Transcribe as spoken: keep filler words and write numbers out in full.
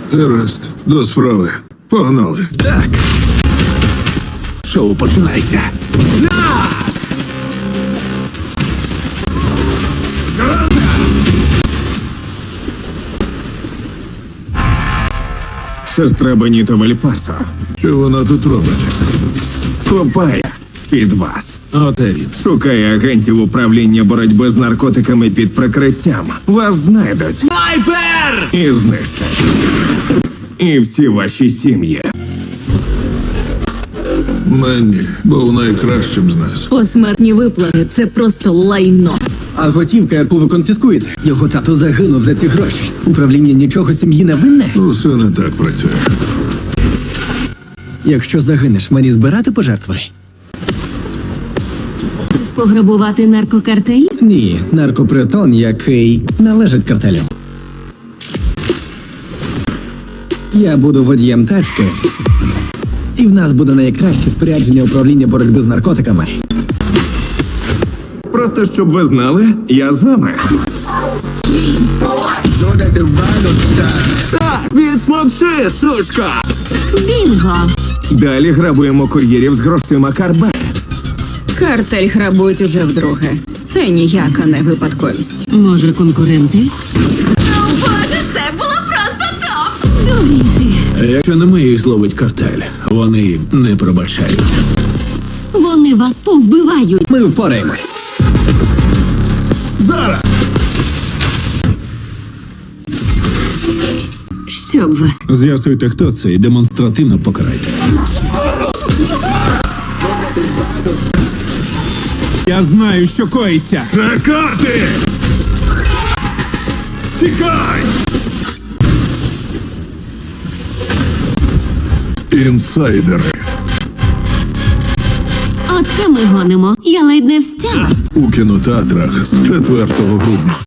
Гаразд, до справи. Погнали. Так. Шоу починається. На! Сестра Беніто Вальпасо Що вона тут робить? копає під вас. Оте він. Шукає агентів управління боротьби з наркотиками під прикриттям. Вас знайдуть. Снайпер! І знищать. І всі ваші сім'ї. Менні був найкращим з нас. Посмертні виплати – це просто лайно. А готівка, яку ви конфіскуєте, його тато загинув за ці гроші. Управління нічого сім'ї не винне. Усе не так працює. Якщо загинеш, мені збирати пожертви? Пограбувати наркокартель? Ні, наркопритон, який належить картелю. Я буду водієм тачки, і в нас буде найкраще спорядження управління боротьби з наркотиками. Просто щоб ви знали, я з вами. Так, відсмокши, сушка! Бінго! Далі грабуємо кур'єрів з грошима Карбе. Картель грабують уже вдруге. Це ніяка не випадковість. Може, конкуренти? Боже, це було просто топ! Дурійте! Якщо не ми їх зловить картель, вони не пробачають. Вони вас повбивають! Ми впораємось. Зараз! Щоб вас... З'ясуйте, хто це, і демонстративно покарайте. Я знаю, що коїться. Чекати! Тікай! Інсайдери. Оце ми гонимо. Я ледь не встяла. У кінотеатрах з четвертого грудня.